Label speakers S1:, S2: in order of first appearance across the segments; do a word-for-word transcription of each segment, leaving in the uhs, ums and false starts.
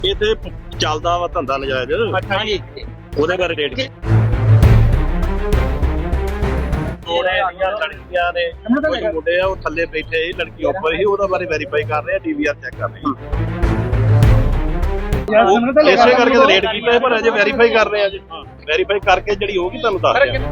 S1: ਇੱਥੇ ਚੱਲਦਾ ਵਾ ਧੰਦਾ ਨਜਾਇਜ਼।
S2: ਅੱਛਾ ਜੀ।
S1: ਉਹਦੇ ਬਾਰੇ ਰੇਟ ਕੀ ਲੜਕੀਆਂ ਨੇ ਕੁਝ ਮੁੰਡੇ ਆ ਉਹ ਥੱਲੇ ਬੈਠੇ ਸੀ, ਲੜਕੀ ਉੱਪਰ ਸੀ, ਉਹਦਾ ਬਾਰੇ ਵੈਰੀਫਾਈ ਕਰ ਰਹੇ ਆ, ਡੀਵੀਆਰ ਚੈੱਕ ਕਰ ਰਹੇ ਆ। ਇਸੇ ਕਰਕੇ ਤਾਂ ਰੇਟ ਕੀਤਾ ਪਰ ਅਜੇ ਵੈਰੀਫਾਈ ਕਰ ਰਹੇ ਆ ਜੀ। ਵੈਰੀਫਾਈ ਕਰਕੇ ਜਿਹੜੀ ਹੋਊਗੀ ਤੁਹਾਨੂੰ ਦੱਸ ਦਿਆਂਗੇ।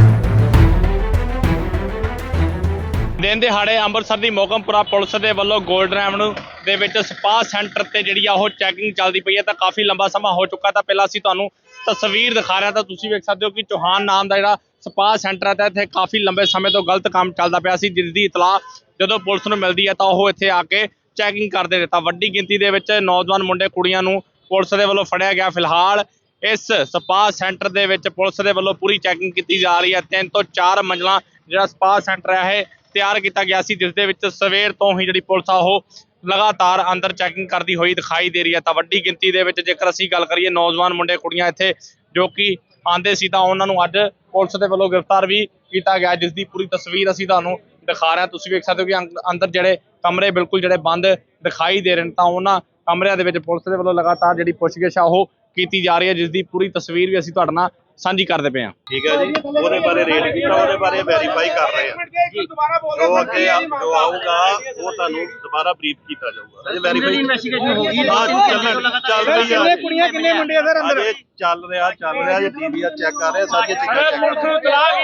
S2: ਦਿਨ ਦਿਹਾੜੇ ਅੰਮ੍ਰਿਤਸਰ ਦੀ ਮੋਗਮਪੁਰਾ ਪੁਲਿਸ ਦੇ ਵੱਲੋਂ ਗੋਲਡਨ ਐਵਨਿਊ ਦੇ ਵਿੱਚ ਸਪਾ ਸੈਂਟਰ ਤੇ ਜਿਹੜੀ ਆ ਉਹ ਚੈਕਿੰਗ ਚੱਲਦੀ ਪਈ ਹੈ ਤਾਂ ਕਾਫੀ ਲੰਬਾ ਸਮਾਂ ਹੋ ਚੁੱਕਾ। ਤਾਂ ਪਹਿਲਾਂ ਅਸੀਂ ਤੁਹਾਨੂੰ ਤਸਵੀਰ ਦਿਖਾ ਰਿਹਾ ਤਾਂ ਤੁਸੀਂ ਵੇਖ ਸਕਦੇ ਹੋ ਕਿ ਚੌਹਾਨ ਨਾਮ ਦਾ ਜਿਹੜਾ ਸਪਾ ਸੈਂਟਰ ਹੈ ਤਾਂ ਇੱਥੇ ਕਾਫੀ ਲੰਬੇ ਸਮੇਂ ਤੋਂ ਗਲਤ ਕੰਮ ਚੱਲਦਾ ਪਿਆ ਸੀ, ਜਿਸ ਦੀ ਇਤਲਾਹ ਜਦੋਂ ਪੁਲਿਸ ਨੂੰ ਮਿਲਦੀ ਹੈ ਤਾਂ ਉਹ ਇੱਥੇ ਆ ਕੇ ਚੈਕਿੰਗ ਕਰਦੇ ਨੇ। ਤਾਂ ਵੱਡੀ ਗਿਣਤੀ ਦੇ ਵਿੱਚ ਨੌਜਵਾਨ ਮੁੰਡੇ ਕੁੜੀਆਂ ਨੂੰ ਪੁਲਿਸ ਦੇ ਵੱਲੋਂ ਫੜਿਆ ਗਿਆ। ਫਿਲਹਾਲ ਇਸ ਸਪਾ ਸੈਂਟਰ ਦੇ ਵਿੱਚ ਪੁਲਿਸ ਦੇ ਵੱਲੋਂ ਪੂਰੀ ਚੈਕਿੰਗ ਕੀਤੀ ਜਾ ਰਹੀ ਹੈ। ਤਿੰਨ ਤੋਂ ਚਾਰ ਮੰਜ਼ਲਾਂ ਜਿਹੜਾ ਸਪਾ ਸੈਂਟਰ ਹੈ ਇਹ ਤਿਆਰ ਕੀਤਾ ਗਿਆ ਸੀ, ਜਿਸ ਦੇ ਵਿੱਚ ਸਵੇਰ ਤੋਂ ਹੀ ਜਿਹੜੀ ਪੁਲਿਸ ਆ ਉਹ ਲਗਾਤਾਰ ਅੰਦਰ ਚੈਕਿੰਗ ਕਰਦੀ ਹੋਈ ਦਿਖਾਈ ਦੇ ਰਹੀ ਹੈ। ਤਾਂ ਵੱਡੀ ਗਿਣਤੀ ਦੇ ਵਿੱਚ ਜੇਕਰ ਅਸੀਂ ਗੱਲ ਕਰੀਏ ਨੌਜਵਾਨ ਮੁੰਡੇ ਕੁੜੀਆਂ ਇੱਥੇ ਜੋ ਕਿ ਆਂਦੇ ਸੀ ਤਾਂ ਉਹਨਾਂ ਨੂੰ ਅੱਜ ਪੁਲਿਸ ਦੇ ਵੱਲੋਂ ਗ੍ਰਿਫਤਾਰ ਵੀ ਕੀਤਾ ਗਿਆ, ਜਿਸ ਦੀ ਪੂਰੀ ਤਸਵੀਰ ਅਸੀਂ ਤੁਹਾਨੂੰ ਦਿਖਾ ਰਹੇ ਹਾਂ। ਤੁਸੀਂ ਵੇਖ ਸਕਦੇ ਹੋ ਕਿ ਅੰਦਰ ਜਿਹੜੇ ਕਮਰੇ ਬਿਲਕੁਲ ਜਿਹੜੇ ਬੰਦ ਦਿਖਾਈ ਦੇ ਰਹੇ ਨੇ ਤਾਂ ਉਹਨਾਂ ਕਮਰਿਆਂ ਦੇ ਵਿੱਚ ਪੁਲਿਸ ਦੇ ਵੱਲੋਂ ਲਗਾਤਾਰ ਜਿਹੜੀ ਪੁੱਛਗਿੱਛ ਆ ਉਹ ਕੀਤੀ ਜਾ ਰਹੀ ਹੈ, ਜਿਸ ਦੀ ਪੂਰੀ ਤਸਵੀਰ ਵੀ ਅਸੀਂ ਤੁਹਾਡੇ ਨਾਲ ਸਾਂਝੀ ਕਰਦੇ ਪਏ ਹਾਂ।
S1: ਠੀਕ ਹੈ ਜੀ, ਉਹਦੇ ਬਾਰੇ ਰੇਟ ਕੀਤਾ, ਉਹਦੇ ਬਾਰੇ ਵੈਰੀਫਾਈ ਕਰ ਰਹੇ ਆ। ਜੋ ਅੱਗੇ ਜੋ ਆਊਗਾ ਉਹ ਤੁਹਾਨੂੰ ਦੁਬਾਰਾ ਬਰੀਫ ਕੀਤਾ ਜਾਊਗਾ। ਅਜੇ ਵੈਰੀਫਾਈ ਇਨਵੈਸਟੀਗੇਸ਼ਨ ਹੋ ਗਈ, ਚੱਲ ਰਹੀ ਆ।
S3: ਕਿੰਨੇ ਕੁੜੀਆਂ ਕਿੰਨੇ ਮੁੰਡੇ ਆ ਸਰ ਅੰਦਰ?
S1: ਅਜੇ ਚੱਲ ਰਿਹਾ ਚੱਲ ਰਿਹਾ ਜੇ ਡੀਵੀਆਰ ਚੈੱਕ ਕਰ ਰਹੇ ਆ, ਸਾਰੀਆਂ ਚੀਜ਼ਾਂ ਚੈੱਕ ਕਰ ਰਹੇ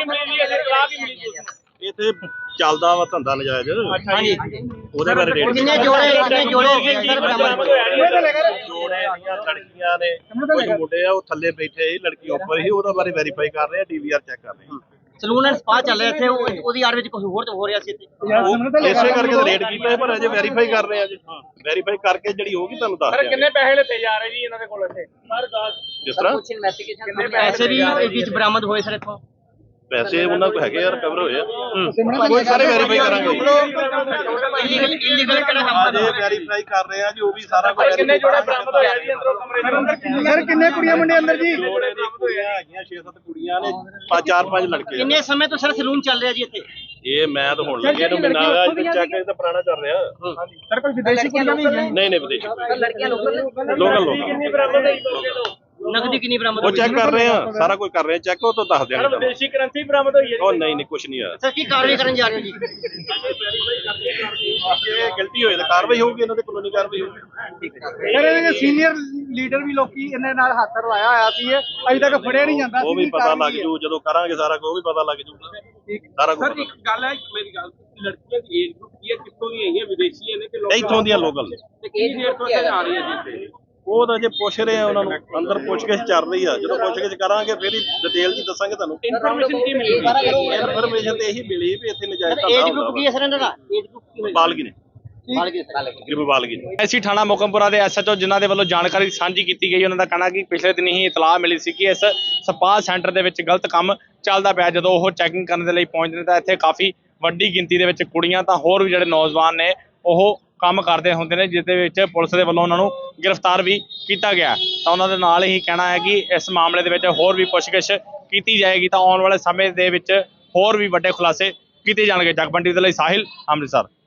S1: ਆ। ਇੱਥੇ ਚੱਲਦਾ ਵਾ ਧੰਦਾ ਨਜਾਇਜ਼।
S2: ਅੱਛਾ ਜੀ।
S1: ਉਹਦੇ ਬਾਰੇ ਰੇਟ
S3: ਕਿੰਨੇ ਜੋੜੇ ਕਿੰਨੇ ਜੋੜੇ ਸਰ ਬਰਾਬਰ
S1: ਜੋੜੇ ਲੜਕੀਆਂ ਨੇ ਕੁਝ ਮੁੰਡੇ ਆ ਉਹ ਥੱਲੇ ਬੈਠੇ ਸੀ, ਲੜਕੀ ਉੱਪਰ ਸੀ, ਉਹਦਾ ਬਾਰੇ ਵੈਰੀਫਾਈ ਕਰ ਰਹੇ ਆ, ਡੀਵੀਆਰ ਚੈੱਕ ਕਰ ਰਹੇ ਆ।
S3: ਸਲੂਨ ਐਂਡ ਸਪਾ ਚੱਲ ਰਿਹਾ ਇੱਥੇ, ਉਹਦੀ ਆੜ ਵਿੱਚ ਕੁਝ ਹੋਰ ਹੋ ਰਿਹਾ ਸੀ ਇੱਥੇ।
S1: ਇਸੇ ਕਰਕੇ ਤਾਂ ਰੇਟ ਕੀਤਾ ਪਰ ਅਜੇ ਵੈਰੀਫਾਈ ਕਰ ਰਹੇ ਆ ਜੀ। ਵੈਰੀਫਾਈ ਕਰਕੇ ਜਿਹੜੀ ਹੋਊਗੀ ਤੁਹਾਨੂੰ ਦੱਸ ਦਿਆਂਗੇ।
S2: ਕਿੰਨੇ ਪੈਸੇ ਲਿੱਤੇ ਜਾ ਰਹੇ ਜੀ ਇਹਨਾਂ ਦੇ ਕੋਲ ਇੱਥੇ?
S1: ਜਿਸ ਤਰ੍ਹਾਂ
S3: ਕੁਝ ਇਨਵੈਸਟੀਗੇਸ਼ਨ ਪੈਸੇ ਵੀ ਵਿੱਚ ਬਰਾਮਦ ਹੋਏ ਸਰ ਇੱਥੋਂ?
S1: ਪੈਸੇ ਉਹਨਾਂ ਕੋਲ ਹੈਗੇ ਆ, ਰਿਕਵਰ ਹੋਏ ਆ, ਕੋਈ ਸਾਰੇ ਵੈਰੀਫਾਈ ਕਰਾਂਗੇ।
S3: ਇਲੀਗਲ ਇਲੀਗਲ ਕਿਹੜਾ ਕੰਮ
S1: ਅਜੇ ਵੈਰੀਫਾਈ ਕਰ ਰਹੇ ਆ ਜੀ, ਉਹ ਵੀ ਸਾਰਾ ਕੁਝ।
S2: ਕਿੰਨੇ ਜੋੜੇ ਬਰਾਮਦ ਹੋਇਆ ਜੀ ਅੰਦਰੋਂ ਕਮਰੇ ਦੇ ਅੰਦਰ?
S3: ਸਰ ਕਿੰਨੇ ਕੁੜੀਆਂ ਮੁੰਡੇ ਅੰਦਰ ਜੀ?
S1: ਜੋੜੇ ਦੀ ਕੁੜੀਆਂ ਹੈਗੀਆਂ ਛੇ ਸੱਤ ਕੁੜੀਆਂ ਨੇ, ਪੰਜ ਚਾਰ ਪੰਜ ਲੜਕੇ ਆ।
S3: ਕਿੰਨੇ ਸਮੇਂ ਤੋਂ ਸਰ ਸਲੂਨ ਚੱਲ ਰਿਹਾ ਜੀ ਇੱਥੇ?
S1: ਇਹ ਮੈਂ ਤਾਂ ਹੁਣ ਲੱਗੇ ਨੂੰ ਮਹੀਨਾ ਹੋਇਆ, ਅੱਜ ਚੈੱਕ ਇਹ ਤਾਂ ਪੁਰਾਣਾ ਚੱਲ ਰਿਹਾ।
S3: ਸਰ ਕੋਈ ਵਿਦੇਸ਼ੀ ਕੁੜੀਆਂ ਵੀ ਹੈ?
S1: ਨਹੀਂ ਨਹੀਂ ਵਿਦੇਸ਼ੀ
S3: ਲੜਕੀਆਂ ਲੋਕਲ
S1: ਲੋਕਲ ਲੋਕਲ
S3: ਨਗਦੀ ਕਿੰਨੀ ਬਰਾਮਦ
S1: ਉਹ ਚੈੱਕ ਕਰ ਰਹੇ ਆ, ਸਾਰਾ ਕੁਝ ਕਰ ਰਹੇ ਆ ਚੈੱਕ, ਉਹ ਤਾਂ ਦੱਸ ਦਿਆਂਗੇ।
S2: ਵਿਦੇਸ਼ੀ ਕਰੰਸੀ ਬਰਾਮਦ ਹੋਈ ਹੈ?
S1: ਉਹ ਨਹੀਂ ਨਹੀਂ ਕੁਝ ਨਹੀਂ ਆ।
S3: ਸਰ ਕੀ ਕਾਰਵਾਈ ਕਰਨ ਜਾ ਰਹੇ ਹੋ ਜੀ?
S1: ਇਹ ਗਲਤੀ ਹੋਏ ਤਾਂ ਕਾਰਵਾਈ ਹੋਊਗੀ, ਇਹਨਾਂ ਦੇ ਕਾਨੂੰਨੀ ਕਾਰਵਾਈ ਹੋਊਗੀ।
S3: ਸਰ ਇਹਦੇ ਸੀਨੀਅਰ ਲੀਡਰ ਵੀ ਲੋਕੀ ਇਹਨਾਂ ਨਾਲ ਹੱਥ ਰਲਾਇਆ ਹੋਇਆ ਸੀ, ਅਜੇ ਤੱਕ ਫੜਿਆ ਨਹੀਂ ਜਾਂਦਾ।
S1: ਉਹ ਵੀ ਪਤਾ ਲੱਗ ਜੂ ਜਦੋਂ ਕਰਾਂਗੇ ਸਾਰਾ ਕੁਝ, ਉਹ ਵੀ ਪਤਾ ਲੱਗ ਜੂ ਸਾਰਾ ਕੁਝ।
S4: ਸਰ ਇੱਕ ਗੱਲ ਹੈ, ਮੇਰੀ ਗੱਲ, ਲੜਕੀਆਂ ਦੀ ਏਜ ਗਰੁੱਪ ਕੀ ਹੈ, ਕਿੱਥੋਂ ਦੀਆਂ ਹੈਗੀਆਂ? ਵਿਦੇਸ਼ੀ ਨੇ ਕਿ ਲੋਕਲ?
S1: ਇੱਥੋਂ ਦੀਆਂ ਲੋਕਲ ਨੇ।
S4: ਕਿੰਨੀ ਦੇਰ ਤੋਂ ਇੱਥੇ ਆ ਰਹੀ ਹੈ ਜੀ?
S1: ਉਹ ਤਾਂ ਜੇ ਪੁੱਛ ਰਹੇ ਆ ਉਹਨਾਂ ਨੂੰ, ਅੰਦਰ ਪੁੱਛਗਿੱਛ ਚੱਲ ਰਹੀ ਆ, ਜਦੋਂ ਪੁੱਛਗਿੱਛ ਕਰਾਂਗੇ ਫਿਰ ਹੀ ਡਿਟੇਲ ਜੀ ਦੱਸਾਂਗੇ ਤੁਹਾਨੂੰ।
S4: ਇਨਫੋਰਮੇਸ਼ਨ ਕੀ ਮਿਲੀ?
S1: ਇਨਫੋਰਮੇਸ਼ਨ ਤੇ ਇਹੀ ਮਿਲੀ ਵੀ ਇੱਥੇ ਨਜਾਇਜ਼
S3: ਏਜ
S1: ਧੰਦਾ
S3: ਗਰੁੱਪ ਕੀ ਹੈ ਸਰ ਇਹਨਾਂ ਦਾ? ਏਜ ਗਰੁੱਪ ਕੀ ਹੈ?
S1: ਬਾਲਗੀ ਨੇ,
S3: ਬਾਲਗੀ ਸਰ।
S1: ਤਕਰੀਬਨ ਬਾਲਗੀ ਨੇ।
S2: ਐਸੀ ਥਾਣਾ ਮੋਗਮਪੁਰਾ ਦੇ ਐਸਐਚਓ ਜਿਨ੍ਹਾਂ ਦੇ ਵੱਲੋਂ ਜਾਣਕਾਰੀ ਸਾਂਝੀ ਕੀਤੀ ਗਈ, ਉਹਨਾਂ ਦਾ ਕਹਿਣਾ ਕਿ ਪਿਛਲੇ ਦਿਨ ਹੀ ਇਤਲਾਹ ਮਿਲੀ ਸੀ ਕਿ ਇਸ ਸਪਾ ਸੈਂਟਰ ਦੇ ਵਿੱਚ ਗਲਤ ਕੰਮ ਚੱਲਦਾ ਪਿਆ। ਜਦੋਂ ਉਹ ਚੈਕਿੰਗ ਕਰਨ ਦੇ ਲਈ ਪਹੁੰਚਦੇ ਨੇ ਤਾਂ ਇੱਥੇ ਕਾਫੀ ਵੱਡੀ ਗਿਣਤੀ ਦੇ ਵਿੱਚ ਕੁੜੀਆਂ ਤਾਂ ਹੋਰ ਵੀ ਜਿਹੜੇ ਨੌਜਵਾਨ ਨੇ ਉਹ ਕੰਮ ਕਰਦੇ ਹੁੰਦੇ ਨੇ, ਜਿਸ ਦੇ ਵਿੱਚ ਪੁਲਿਸ ਦੇ ਵੱਲੋਂ ਉਹਨਾਂ ਨੂੰ ਗ੍ਰਿਫਤਾਰ ਵੀ ਕੀਤਾ ਗਿਆ। ਤਾਂ ਉਹਨਾਂ ਦੇ ਨਾਲ ਹੀ ਕਹਿਣਾ ਹੈ ਕਿ ਇਸ ਮਾਮਲੇ ਦੇ ਵਿੱਚ ਹੋਰ ਵੀ ਪੁੱਛਗਿੱਛ ਕੀਤੀ ਜਾਏਗੀ ਤਾਂ ਆਉਣ ਵਾਲੇ ਸਮੇਂ ਦੇ ਵਿੱਚ ਹੋਰ ਵੀ ਵੱਡੇ ਖੁਲਾਸੇ ਕੀਤੇ ਜਾਣਗੇ। ਜਗਬੰਦੀ ਦੇ ਲਈ ਸਾਹਿਲ, ਅੰਮ੍ਰਿਤਸਰ।